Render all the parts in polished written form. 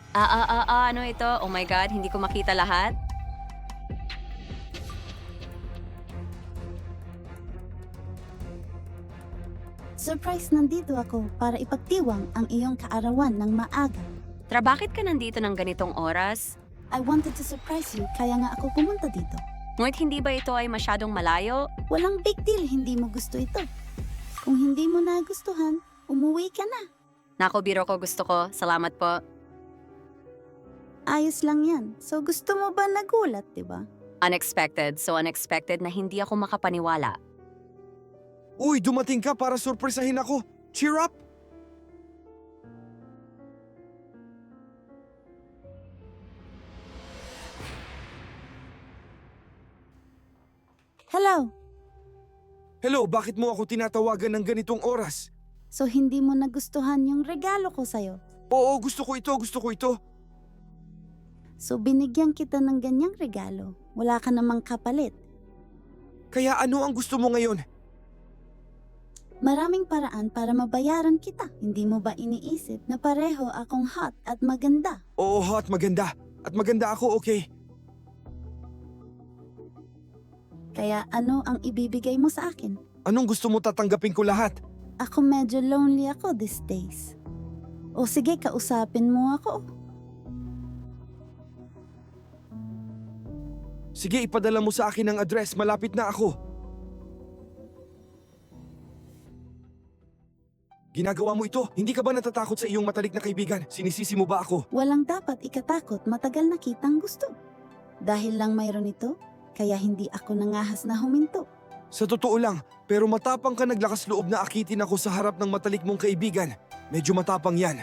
Ano ito? Oh my God, hindi ko makita lahat. Surprise, nandito ako para ipagtiwang ang iyong kaarawan ng maaga. Bakit ka nandito ng ganitong oras? I wanted to surprise you, kaya nga ako pumunta dito. Ngunit hindi ba ito ay masyadong malayo? Walang big deal, hindi mo gusto ito. Kung hindi mo nagustuhan, umuwi ka na. Nako, biro ko, gusto ko. Salamat po. Ayos lang yan. So gusto mo ba nagulat, di ba? Unexpected, so unexpected na hindi ako makapaniwala. Uy, dumating ka para surpresahin ako. Cheer up! Hello! Hello, bakit mo ako tinatawagan ng ganitong oras? So hindi mo nagustuhan yung regalo ko sa'yo. Oo, gusto ko ito. So binigyan kita ng ganyang regalo. Wala ka namang kapalit. Kaya ano ang gusto mo ngayon? Maraming paraan para mabayaran kita. Hindi mo ba iniisip na pareho akong hot at maganda? Oo, hot, maganda. At maganda ako, okay. Kaya ano ang ibibigay mo sa akin? Anong gusto mo tatanggapin ko lahat? Ako medyo lonely ako these days. O sige, kausapin mo ako. Sige, ipadala mo sa akin ang address. Malapit na ako. Ginagawa mo ito? Hindi ka ba natatakot sa iyong matalik na kaibigan? Sinisisi mo ba ako? Walang dapat ikatakot, matagal na kitang gusto. Dahil lang mayroon ito, kaya hindi ako nangahas na huminto. Sa totoo lang, pero matapang ka, naglakas loob na akitin ako sa harap ng matalik mong kaibigan. Medyo matapang yan.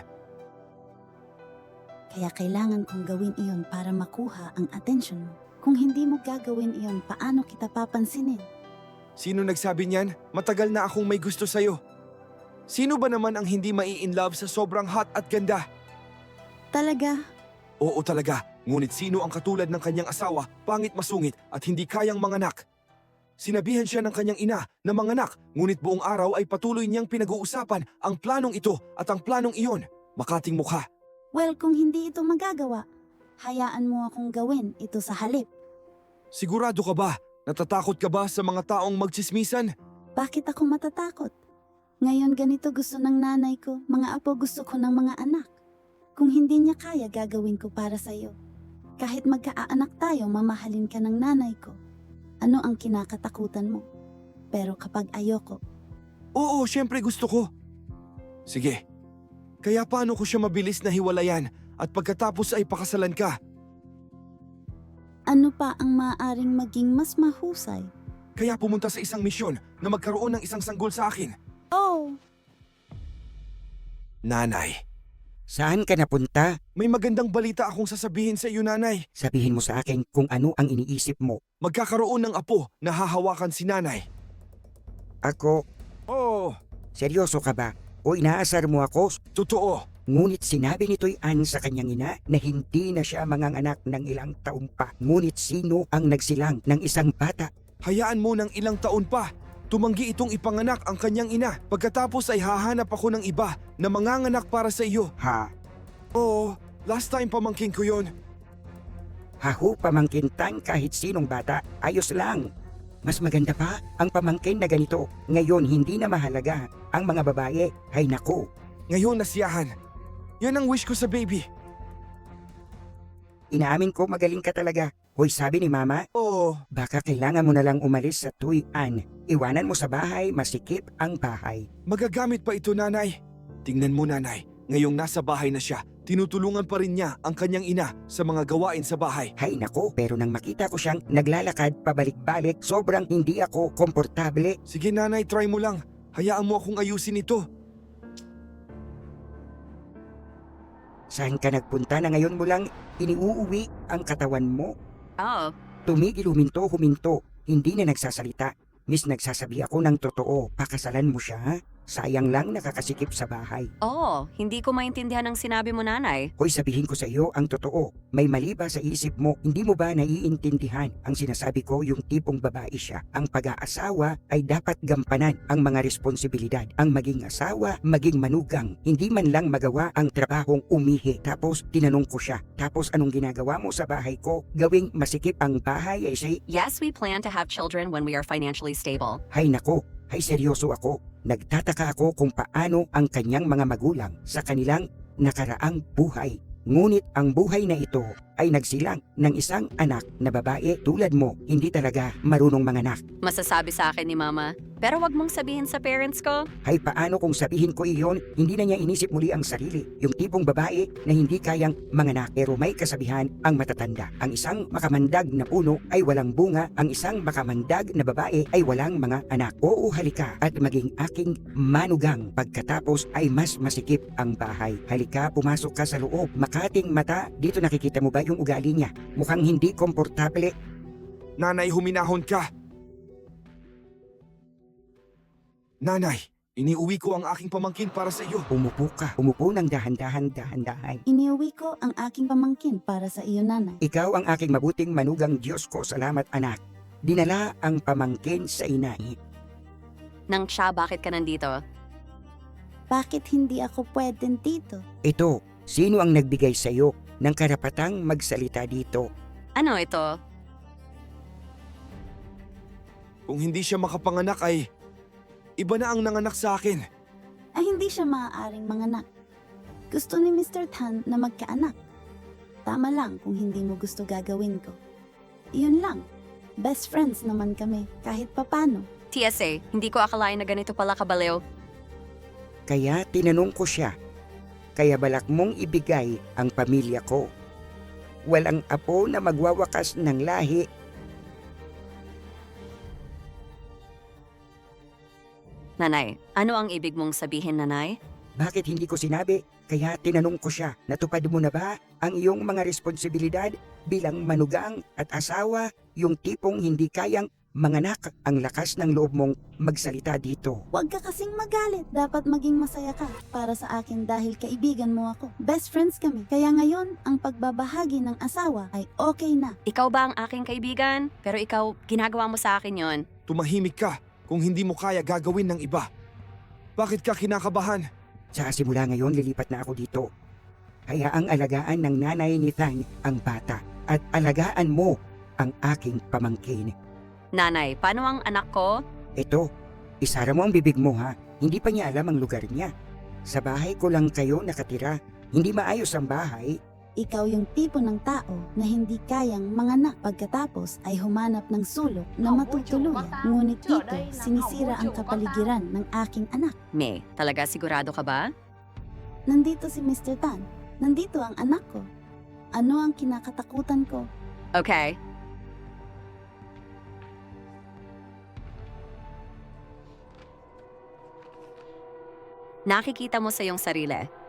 Kaya kailangan kong gawin iyon para makuha ang atensyon mo. Kung hindi mo gagawin iyon, paano kita papansinin? Sino nagsabi niyan? Matagal na akong may gusto sa'yo. Sino ba naman ang hindi mai-inlove sa sobrang hot at ganda? Talaga? Oo talaga, ngunit sino ang katulad ng kanyang asawa, pangit masungit at hindi kayang manganak? Sinabihan siya ng kanyang ina na manganak, ngunit buong araw ay patuloy niyang pinag-uusapan ang planong ito at ang planong iyon. Makating mukha. Well, kung hindi ito magagawa, hayaan mo akong gawin ito sa halip. Sigurado ka ba? Natatakot ka ba sa mga taong magtsismisan? Bakit ako matatakot? Ngayon ganito gusto ng nanay ko, mga apo gusto ko ng mga anak. Kung hindi niya kaya, gagawin ko para sa'yo. Kahit magkaanak tayo, mamahalin ka ng nanay ko. Ano ang kinakatakutan mo? Pero kapag ayoko, Oo, syempre gusto ko. Sige. Kaya paano ko siya mabilis na hiwalayan at pagkatapos ay pakasalan ka? ano pa ang maaaring maging mas mahusay? Kaya pumunta sa isang misyon na magkaroon ng isang sanggol sa akin. Oh, Nanay, Saan ka napunta? may magandang balita akong sasabihin sa iyo, nanay. Sabihin mo sa akin kung ano ang iniisip mo. Magkakaroon ng apo na hahawakan si nanay. Ako, Oo, seryoso ka ba? O inaasar mo ako? totoo. Ngunit sinabi nito'y Ann sa kanyang ina na hindi na siya manganganak ng ilang taon pa. Ngunit sino ang nagsilang ng isang bata? Hayaan mo ng ilang taon pa. Tumanggi itong ipanganak ang kanyang ina. Pagkatapos ay hahanap ako ng iba na manganganak para sa iyo. Ha? Oo, last time pamangkin ko yon. Hahu pamangkintan kahit sinong bata, ayos lang. Mas maganda pa ang pamangkin na ganito. Ngayon hindi na mahalaga ang mga babae. Hay naku, Ngayon nasiyahan. Yan ang wish ko sa baby. inaamin ko magaling ka talaga. Hoy, sabi ni Mama, Oo, baka kailangan mo na lang umalis sa tuwian. Iwanan mo sa bahay, masikip ang bahay. magagamit pa ito, nanay. Tingnan mo, nanay. Ngayong nasa bahay na siya, tinutulungan pa rin niya ang kanyang ina sa mga gawain sa bahay. Hay nako, pero nang makita ko siyang naglalakad pabalik-balik, sobrang hindi ako komportable. Sige, nanay, try mo lang. Hayaan mo akong ayusin ito. Saan ka nagpunta na ngayon mo lang iniuuwi ang katawan mo? Oh, Tumigil huminto. Hindi na nagsasalita. Miss, nagsasabi ako ng totoo. Pakasalan mo siya, ha? Sayang lang nakakasikip sa bahay. Oo, hindi ko maintindihan ang sinabi mo, nanay. Hoy, sabihin ko sa iyo ang totoo. May mali ba sa isip mo? Hindi mo ba naiintindihan? Ang sinasabi ko yung tipong babae siya. Ang pag-aasawa ay dapat gampanan ang mga responsibilidad. Ang maging asawa, maging manugang. Hindi man lang magawa ang trabahong umihi. Tapos tinanong ko siya. Tapos anong ginagawa mo sa bahay ko? Gawing masikip ang bahay ay say, Yes, we plan to have children when we are financially stable. hay nako, hay seryoso ako. Nagtataka ako kung paano ang kanyang mga magulang sa kanilang nakaraang buhay. Ngunit ang buhay na ito ay nagsilang ng isang anak na babae tulad mo, hindi talaga marunong manganak. Masasabi sa akin ni Mama. Pero wag mong sabihin sa parents ko. Hay paano kung sabihin ko iyon, hindi na niya inisip muli ang sarili. Yung tipong babae na hindi kayang manganak pero may kasabihan ang matatanda. Ang isang makamandag na puno ay walang bunga, ang isang makamandag na babae ay walang mga anak. Oo, halika at maging aking manugang pagkatapos ay mas masikip ang bahay. Halika, pumasok ka sa loob. Makating mata, dito nakikita mo ba yung ugali niya? Mukhang hindi komportable. Nanay, huminahon ka! Nanay, iniuwi ko ang aking pamangkin para sa iyo. Umupo ka. Umupo ng dahan-dahan. Iniuwi ko ang aking pamangkin para sa iyo, nanay. Ikaw ang aking mabuting manugang Diyos ko. Salamat, anak. Dinala ang pamangkin sa inay. Nang siya, bakit ka nandito? Bakit hindi ako pwedeng dito? Ito, sino ang nagbigay sa iyo ng karapatang magsalita dito? Ano ito? Kung hindi siya makapanganak ay iba na ang nanganak sa akin. Ay hindi siya maaaring manganak. Gusto ni Mr. Tan na magkaanak. Tama lang kung hindi mo gusto gagawin ko. Iyon lang. Best friends naman kami kahit papano. TSA, hindi ko akalain na ganito pala kabaliw. Kaya tinanong ko siya. Kaya balak mong ibigay ang pamilya ko. Walang apo na magwawakas ng lahi. Nanay, ano ang ibig mong sabihin, nanay? Bakit hindi ko sinabi? Kaya tinanong ko siya, natupad mo na ba ang iyong mga responsibilidad bilang manugang at asawa, yung tipong hindi kayang manganak? Ang lakas ng loob mong magsalita dito. Huwag ka kasing magalit. Dapat maging masaya ka para sa akin dahil kaibigan mo ako. Best friends kami. Kaya ngayon, ang pagbabahagi ng asawa ay okay na. Ikaw ba ang aking kaibigan? Pero ikaw, ginagawa mo sa akin yon. Tumahimik ka kung hindi mo kaya gagawin ng iba. Bakit ka kinakabahan? Sa simula ngayon, lilipat na ako dito. Hayaang alagaan ng nanay ni Thang ang bata at alagaan mo ang aking pamangkin. Nanay, paano ang anak ko? Ito, isara mo ang bibig mo ha. Hindi pa niya alam ang lugar niya. Sa bahay ko lang kayo nakatira. Hindi maayos ang bahay. Ikaw yung tipo ng tao na hindi kayang manganak pagkatapos ay humanap ng sulok na matutuluyan. Ngunit dito, sinisira ang kapaligiran ng aking anak. May, talaga sigurado ka ba? Nandito si Mr. Tan. Nandito ang anak ko. Ano ang kinakatakutan ko? Okay. Nakikita mo sa iyong sarili.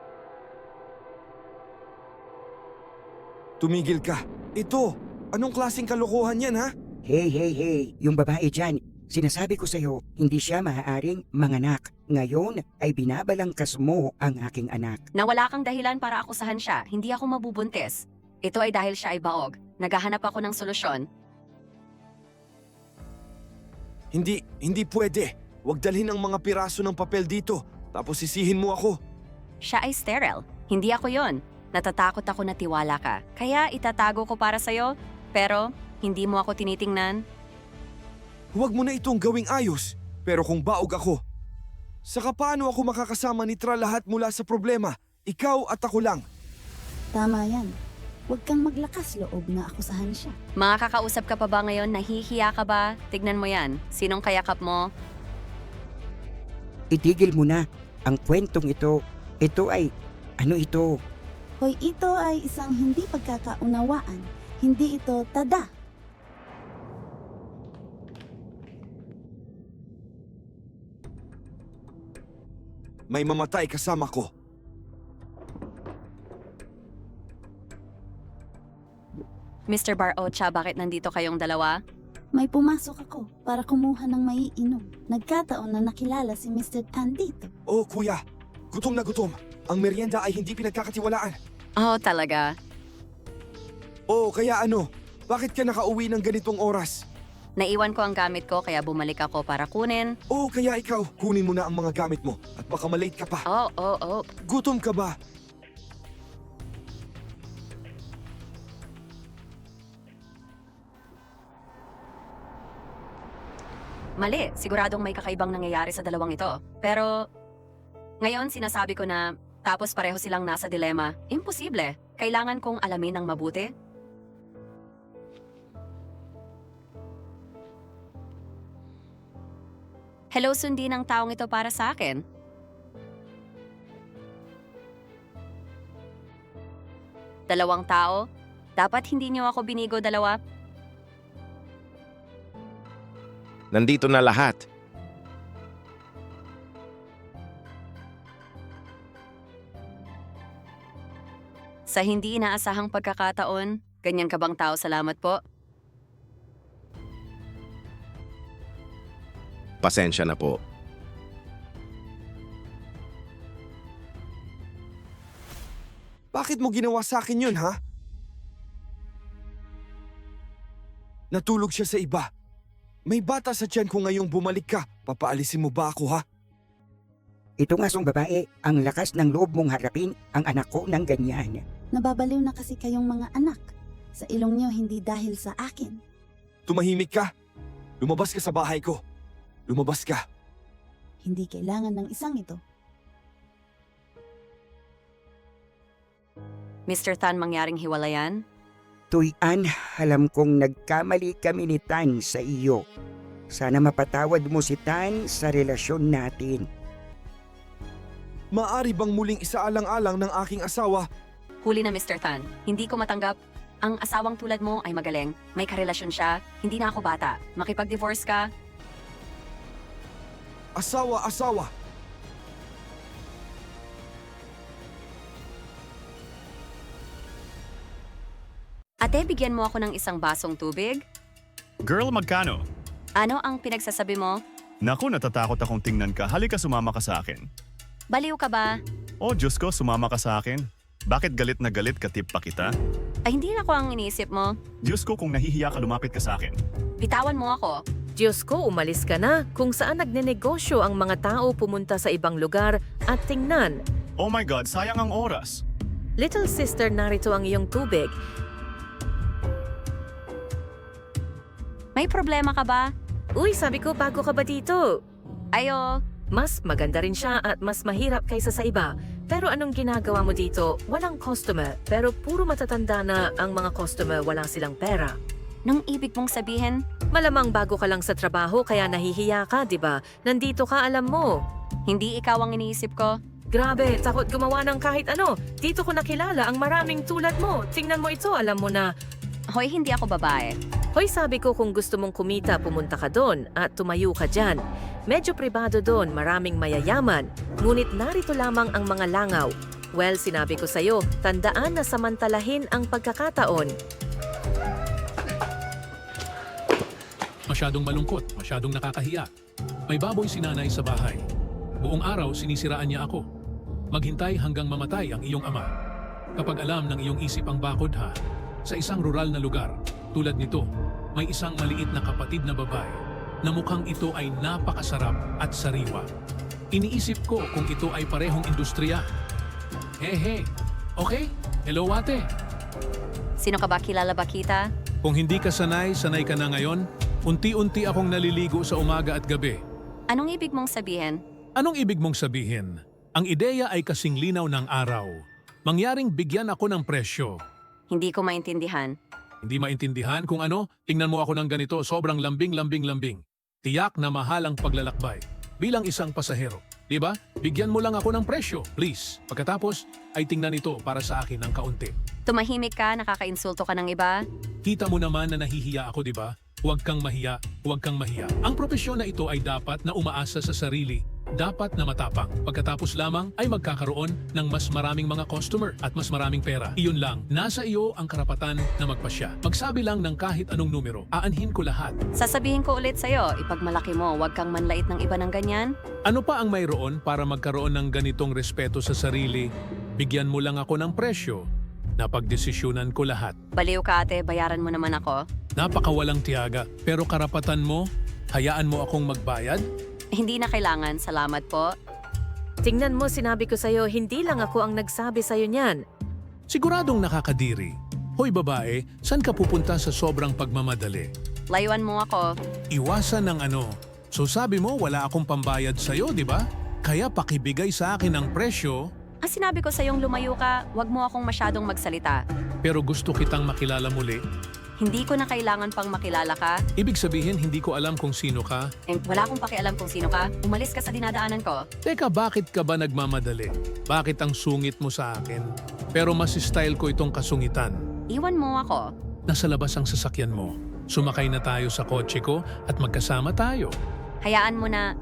Tumigil ka. Ito, anong klaseng kalokohan yan ha? Hey, yung babae dyan. Sinasabi ko sa'yo, hindi siya maaaring manganak. Ngayon ay binabalangkas mo ang aking anak. Na wala kang dahilan para akusahan siya, hindi ako mabubuntis. Ito ay dahil siya ay baog. Naghahanap ako ng solusyon. Hindi pwede. Huwag dalhin ang mga piraso ng papel dito, tapos sisihin mo ako. Siya ay sterile. Hindi ako yon. Natatakot ako na tiwala ka. Kaya itatago ko para sa'yo, pero hindi mo ako tinitingnan. Huwag mo na itong gawing ayos. Pero kung baog ako, saka paano ako makakasama ni Tra lahat mula sa problema? Ikaw at ako lang. Tama yan. Huwag kang maglakas loob na akusahan siya. Mga kakausap ka pa ba ngayon? Nahihiya ka ba? Tignan mo yan. Sinong kayakap mo? Itigil mo na ang kwentong ito. Ito ay, ano ito? Hoy, ito ay isang hindi pagkakaunawaan. Hindi ito tada. May mamatay kasama ko. Mr. Bar Ocha, bakit nandito kayong dalawa? May pumasok ako para kumuha ng maiinom. Nagkataon na nakilala si Mr. Tan dito. Oh, kuya. Gutom na gutom. Ang merienda ay hindi pinagkakatiwalaan. Oh, talaga? Oh, kaya ano? Bakit ka nakauwi ng ganitong oras? Naiwan ko ang gamit ko kaya bumalik ako para kunin. Oh, kaya ikaw, kunin mo na ang mga gamit mo at baka malate ka pa. Oh. Gutom ka ba? Mali, siguradong may kakaibang nangyayari sa dalawang ito. Pero ngayon sinasabi ko na tapos pareho silang nasa dilema. Imposible. Kailangan kong alamin ng mabuti. Hello, sundin ang taong ito para sa akin. Dalawang tao? Dapat hindi niyo ako binigo dalawa? Nandito na lahat. Sa hindi inaasahang pagkakataon, ganyan ka bang tao? Salamat po. Pasensya na po. Bakit mo ginawa sa akin yun, ha? Natulog siya sa iba. May bata sa tiyan ko ngayong bumalik ka. Papaalisin mo ba ako, ha? Ito nga song babae, ang lakas ng loob mong harapin ang anak ko ng ganyan. Nababaliw na kasi kayong mga anak. Sa ilong niyo hindi dahil sa akin. Tumahimik ka. Lumabas ka sa bahay ko. Lumabas ka. Hindi kailangan ng isang ito. Mr. Tan, mangyaring hiwalayan? Tuyan, alam kong nagkamali kami ni Tan sa iyo. Sana mapatawad mo si Tan sa relasyon natin. Maari bang muling isaalang-alang ng aking asawa? Huli na, Mr. Tan. Hindi ko matanggap. Ang asawang tulad mo ay magaling. May karelasyon siya. Hindi na ako bata. Makipag-divorce ka. Asawa. Ate, bigyan mo ako ng isang basong tubig. Girl, magkano? Ano ang pinagsasabi mo? Naku, natatakot akong tingnan ka. Halika, sumama ka sa akin. Baliw ka ba? Oh, Diyos ko, sumama ka sa akin. Bakit galit na galit ka, tip pa kita? Ay, hindi na ako ang iniisip mo. Diyos ko, kung nahihiya ka, lumapit ka sa akin. Bitawan mo ako. Diyos ko, umalis ka na. Kung saan nagnenegosyo ang mga tao pumunta sa ibang lugar at tingnan. Oh my God, sayang ang oras. Little sister, narito ang iyong tubig. May problema ka ba? Uy, sabi ko, bago ka ba dito? Ayo. Mas maganda rin siya at mas mahirap kaysa sa iba. Pero anong ginagawa mo dito? Walang customer, pero puro matatanda na ang mga customer, walang silang pera. Nung ibig mong sabihin, Malamang bago ka lang sa trabaho kaya nahihiya ka, di ba? Nandito ka, alam mo. hindi ikaw ang iniisip ko. Grabe, takot gumawa ng kahit ano. Dito ko nakilala ang maraming tulad mo. Tingnan mo ito, alam mo na. Hoy, hindi ako babae. Hoy, sabi ko kung gusto mong kumita, pumunta ka doon at tumayo ka dyan. Medyo pribado doon, maraming mayayaman. Ngunit narito lamang ang mga langaw. Well, sinabi ko sa'yo, tandaan na samantalahin ang pagkakataon. Masyadong malungkot, masyadong nakakahiya. May baboy si nanay sa bahay. Buong araw sinisiraan niya ako. Maghintay hanggang mamatay ang iyong ama. Kapag alam ng iyong isip ang bakod ha, sa isang rural na lugar, tulad nito, may isang maliit na kapatid na babae na mukhang ito ay napakasarap at sariwa. Iniisip ko kung ito ay parehong industriya. Hey, okay? Hello ate. Sino ka ba? Kilala ba kita? Kung hindi ka sanay ka na ngayon. Unti-unti akong naliligo sa umaga at gabi. Anong ibig mong sabihin? Anong ibig mong sabihin? Ang ideya ay kasing linaw ng araw. Mangyaring bigyan ako ng presyo. Hindi ko maintindihan. Hindi maintindihan kung ano, tingnan mo ako ng ganito, sobrang lambing. Tiyak na mahal ang paglalakbay. Bilang isang pasahero, di ba? Bigyan mo lang ako ng presyo, please. Pagkatapos, ay tingnan ito para sa akin ng kaunti. Tumahimik ka, nakakainsulto ka ng iba. Kita mo naman na nahihiya ako, di ba? Huwag kang mahiya, huwag kang mahiya. Ang propesyon na ito ay dapat na umaasa sa sarili. dapat na matapang. Pagkatapos lamang ay magkakaroon ng mas maraming mga customer at mas maraming pera. Iyon lang, nasa iyo ang karapatan na magpasya. Magsabi lang ng kahit anong numero, aanhin ko lahat. Sasabihin ko ulit sa'yo, ipagmalaki mo, huwag kang manlait ng iba ng ganyan. Ano pa ang mayroon para magkaroon ng ganitong respeto sa sarili? Bigyan mo lang ako ng presyo. Napagdesisyonan ko lahat. Baliw ka ate, bayaran mo naman ako. Napakawalang tiyaga, pero karapatan mo, hayaan mo akong magbayad? Hindi na kailangan, salamat po. Tingnan mo, sinabi ko sa'yo, hindi lang ako ang nagsabi sa'yo niyan. Siguradong nakakadiri. Hoy babae, saan ka pupunta sa sobrang pagmamadali? Layuan mo ako. Iwasan ng ano. So sabi mo wala akong pambayad sa'yo, di ba? Kaya pakibigay sa akin ang presyo, Ang sinabi ko sa'yong lumayo ka, huwag mo akong masyadong magsalita. pero gusto kitang makilala muli. Hindi ko na kailangan pang makilala ka. Ibig sabihin hindi ko alam kung sino ka. Wala akong pakialam kung sino ka. Umalis ka sa dinadaanan ko. Teka, bakit ka ba nagmamadali? Bakit ang sungit mo sa akin? Pero mas style ko itong kasungitan. Iwan mo ako. Nasa labas ang sasakyan mo. Sumakay na tayo sa kotse ko at magkasama tayo. Hayaan mo na.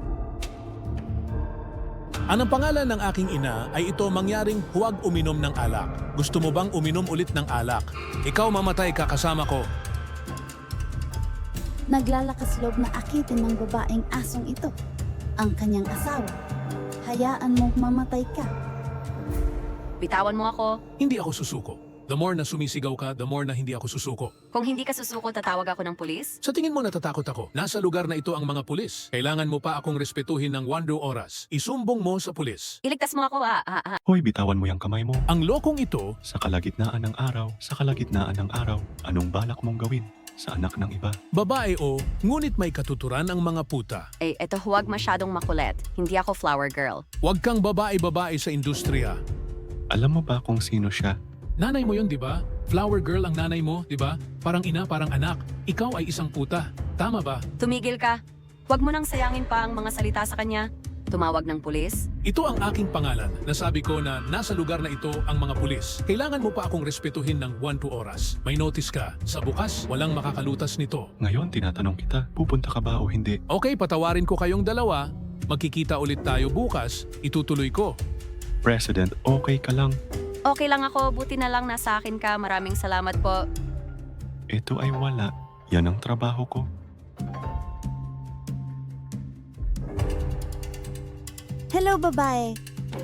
Anong pangalan ng aking ina ay ito mangyaring huwag uminom ng alak. Gusto mo bang uminom ulit ng alak? Ikaw mamatay ka kasama ko. Naglalakas loob na akitin ng babaeng asong ito, ang kanyang asawa. Hayaan mong mamatay ka. Bitawan mo ako. Hindi ako susuko. The more na sumisigaw ka, the more na hindi ako susuko. Kung hindi ka susuko, tatawag ako ng pulis? Sa tingin mo natatakot ako? Nasa lugar na ito ang mga pulis. Kailangan mo pa akong respetuhin ng 1 oras. Isumbong mo sa pulis. Iligtas mo ako, Hoy, bitawan mo yung kamay mo. Ang lokong ito, Sa kalagitnaan ng araw, sa kalagitnaan ng araw, anong balak mong gawin sa anak ng iba? babae o, ngunit may katuturan ang mga puta. eto huwag masyadong makulit. Hindi ako flower girl. Huwag kang babae-babae sa industriya. Alam mo ba kung sino siya? Nanay mo yun, di ba? Flower girl ang nanay mo, di ba? Parang ina, parang anak. Ikaw ay isang puta. Tama ba? Tumigil ka. Huwag mo nang sayangin pa ang mga salita sa kanya. Tumawag ng pulis. Ito ang aking pangalan. Nasabi ko na nasa lugar na ito ang mga pulis. Kailangan mo pa akong respetuhin ng 1 oras. May notice ka. Sa bukas, walang makakalutas nito. Ngayon, tinatanong kita, pupunta ka ba o hindi? Okay, patawarin ko kayong dalawa. Magkikita ulit tayo bukas. Itutuloy ko. President, okay ka lang? Okay lang ako, buti na lang nasa akin ka. Maraming salamat po. Ito ay wala. Yan ang trabaho ko. Hello, babae.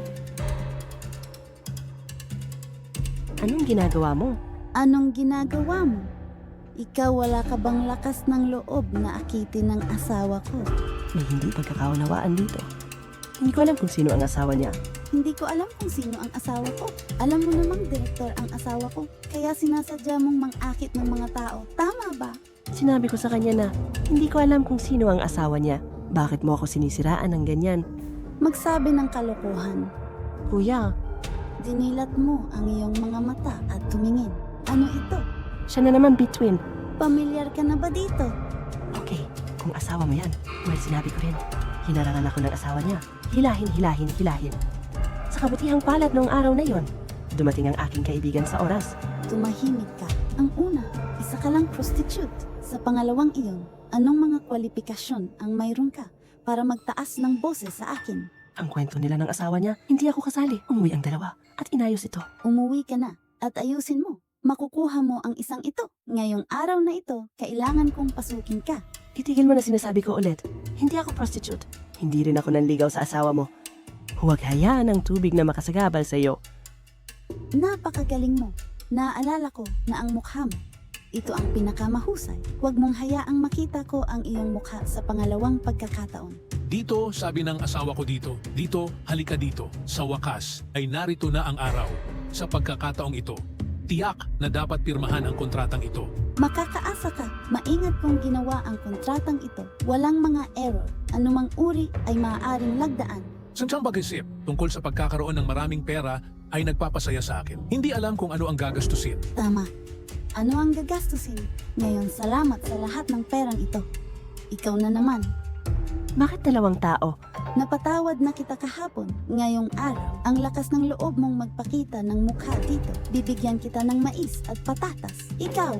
Anong ginagawa mo? Anong ginagawa mo? Ikaw wala ka bang lakas ng loob na akitin ng asawa ko? May hindi pagkakaunawaan dito. Hindi ko alam kung sino ang asawa niya. Hindi ko alam kung sino ang asawa ko. Alam mo namang direktor ang asawa ko. Kaya sinasadya mong mangakit ng mga tao. Tama ba? Sinabi ko sa kanya na hindi ko alam kung sino ang asawa niya. Bakit mo ako sinisiraan ng ganyan? Magsabi ng kalokohan. Kuya, Dinilat mo ang iyong mga mata at tumingin. Ano ito? siya na naman between. Pamilyar ka na ba dito? Okay, kung asawa mo yan, well, sinabi ko rin. Hinarangan ako ng asawa niya. Hilahin. Sa kabutihang palad noong araw na yon, dumating ang aking kaibigan sa oras. Tumahimik ka. Ang una, isa ka lang prostitute. Sa pangalawang iyon, anong mga kwalifikasyon ang mayroon ka para magtaas ng boses sa akin? Ang kwento nila ng asawa niya, hindi ako kasali. Umuwi ang dalawa at inayos ito. Umuwi ka na at ayusin mo. Makukuha mo ang isang ito. Ngayong araw na ito, kailangan kong pasukin ka. Itigil mo na sinasabi ko ulit. Hindi ako prostitute. Hindi rin ako nanligaw sa asawa mo. Huwag hayaan ang tubig na makasagabal sa iyo. Napakagaling mo. Naaalala ko na ang mukha mo. Ito ang pinakamahusay. Huwag mong hayaang makita ko ang iyong mukha sa pangalawang pagkakataon. Dito, sabi ng asawa ko dito. Dito, halika dito. Sa wakas, ay narito na ang araw. Sa pagkakataong ito, tiyak na dapat pirmahan ang kontratang ito. Makakaasa ka. Maingat kong ginawa ang kontratang ito. Walang mga error. Anumang uri ay maaaring lagdaan. Sansang pag-isip tungkol sa pagkakaroon ng maraming pera ay nagpapasaya sa akin. Hindi alam kung ano ang gagastusin. Tama. Ano ang gagastusin? Ngayon, salamat sa lahat ng perang ito. Ikaw na naman. Bakit dalawang tao? Napatawad na kita kahapon. Ngayong araw, ang lakas ng loob mong magpakita ng mukha dito. Bibigyan kita ng mais at patatas. Ikaw,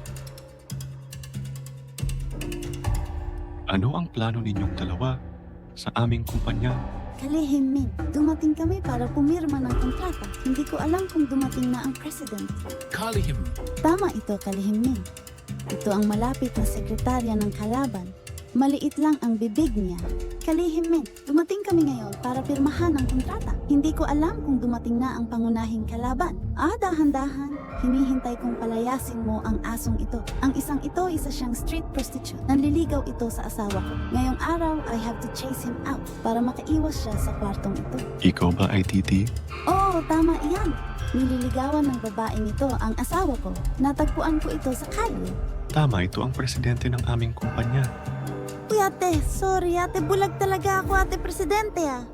Ano ang plano ninyong dalawa? sa aming kumpanya. Kalihim Min, dumating kami para pumirma ng kontrata. Hindi ko alam kung dumating na ang president. Kalihim. Tama ito, Kalihim Min. Ito ang malapit na sekretarya ng kalaban. Maliit lang ang bibig niya. Kalihim Min, dumating kami ngayon para pirmahan ang kontrata. Hindi ko alam kung dumating na ang pangunahing kalaban. Dahan-dahan. Hinihintay kong palayasin mo ang asong ito. Ang isang ito, isa siyang street prostitute. Nanliligaw ito sa asawa ko. Ngayong araw, I have to chase him out para makaiwas siya sa kwartong ito. Ikaw ba ay Titi? Oo, tama iyan. Nililigawan ng babaeng ito ang asawa ko. Natagpuan ko ito sa kalye. Tama, ito ang presidente ng aming kumpanya. Uy ate, sorry ate, bulag talaga ako ate presidente ah.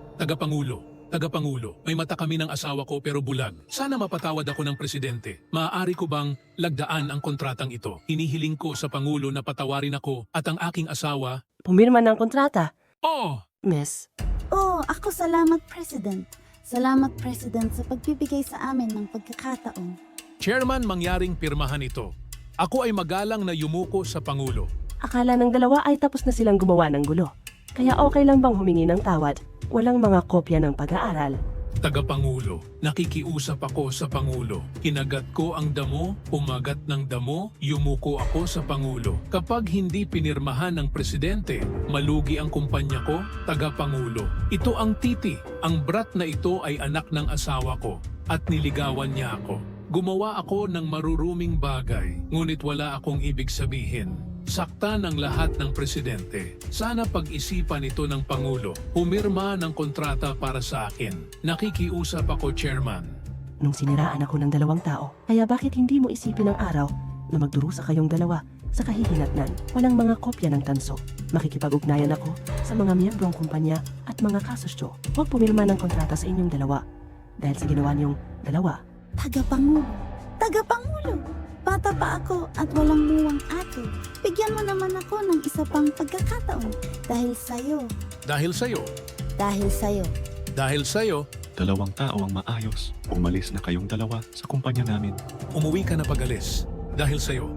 Tagapangulo, may mata kami ng asawa ko pero bulag. Sana mapatawad ako ng presidente. Maaari ko bang lagdaan ang kontratang ito? Hinihiling ko sa Pangulo na patawarin ako at ang aking asawa. Pumirma ng kontrata. Oh! Miss, Ako salamat president. Salamat president sa pagbibigay sa amin ng pagkakataon. Chairman, mangyaring pirmahan ito. Ako ay magalang na yumuko sa Pangulo. akala ng dalawa ay tapos na silang gumawa ng gulo. Kaya okay lang bang humingi ng tawad? Walang mga kopya ng pag-aaral. Tagapangulo, nakikiusap ako sa Pangulo. Kinagat ko ang damo, umagat ng damo, yumuko ako sa Pangulo. Kapag hindi pinirmahan ng presidente, malugi ang kumpanya ko, Tagapangulo. Ito ang Titi. Ang brat na ito ay anak ng asawa ko at niligawan niya ako. Gumawa ako ng maruruming bagay, ngunit wala akong ibig sabihin. Sakta ng lahat ng presidente. Sana pag-isipan ito ng Pangulo. Humirma ng kontrata para sa akin. Nakikiusap ako, Chairman. Nung siniraan ako ng dalawang tao, kaya bakit hindi mo isipin ang araw na magdurusa kayong dalawa sa kahihinatnan? Walang mga kopya ng tanso. Makikipag-ugnayan ako sa mga miyembrong kumpanya at mga kasosyo. Huwag pumirma ng kontrata sa inyong dalawa. Dahil sa ginawa niyong dalawa. Tagapangulo! Tagapangulo! Bata pa ako at walang muwang ate. Bigyan mo naman ako ng isa pang pagkakataon. Dahil sa'yo. Dahil sa'yo. Dahil sa'yo. Dahil sa'yo, Dalawang tao ang maayos. Umalis na kayong dalawa sa kumpanya namin. umuwi ka na pag-alis. Dahil sa'yo.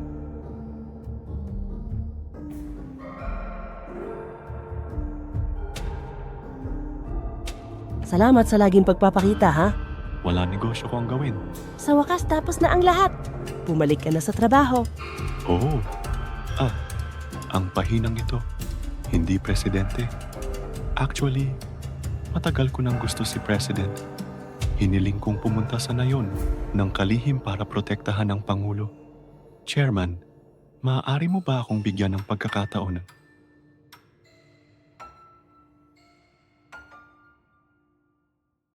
Salamat sa laging pagpapakita, ha? Wala negosyo ko ang gawin. Sa wakas tapos na ang lahat. Bumalik ka na sa trabaho. Oo. Ang pahinang ito. Hindi presidente. Actually, matagal ko nang gusto si President. Hiniling kong pumunta sa nayon ng kalihim para protektahan ang Pangulo. Chairman, maaari mo ba akong bigyan ng pagkakataon